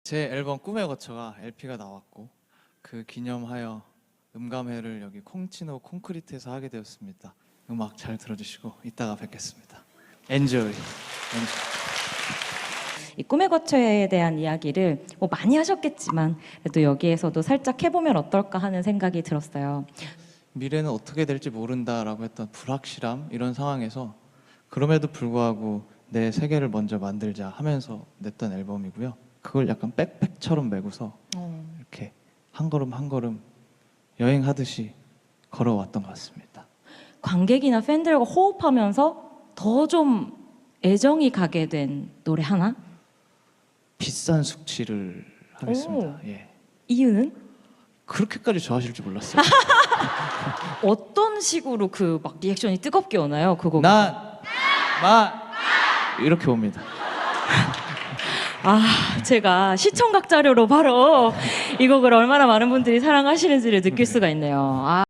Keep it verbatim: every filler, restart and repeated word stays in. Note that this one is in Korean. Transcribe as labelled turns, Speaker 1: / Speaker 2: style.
Speaker 1: 제 앨범 꿈의 거처가 엘피가 나왔고 그 기념하여 음감회를 여기 콩치노 콘크리트에서 하게 되었습니다. 음악 잘 들어주시고 이따가 뵙겠습니다. 엔조이. 엔조이.
Speaker 2: 이 꿈의 거처에 대한 이야기를 뭐 많이 하셨겠지만 그래도 여기에서도 살짝 해보면 어떨까 하는 생각이 들었어요.
Speaker 1: 미래는 어떻게 될지 모른다라고 했던 불확실함 이런 상황에서 그럼에도 불구하고 내 세계를 먼저 만들자 하면서 냈던 앨범이고요. 그걸 약간 백팩처럼 메고서
Speaker 2: 어.
Speaker 1: 이렇게 한 걸음 한 걸음 여행하듯이 걸어왔던 것 같습니다.
Speaker 2: 관객이나 팬들과 호흡하면서 더 좀 애정이 가게 된 노래 하나?
Speaker 1: 비싼 숙취를 하겠습니다. 예.
Speaker 2: 이유는?
Speaker 1: 그렇게까지 좋아하실 줄 몰랐어요.
Speaker 2: 어떤 식으로 그 막 리액션이 뜨겁게 오나요? 그거.
Speaker 1: 난, 마 이렇게 옵니다.
Speaker 2: 아, 제가 시청각 자료로 바로 이 곡을 얼마나 많은 분들이 사랑하시는지를 느낄 수가 있네요. 아.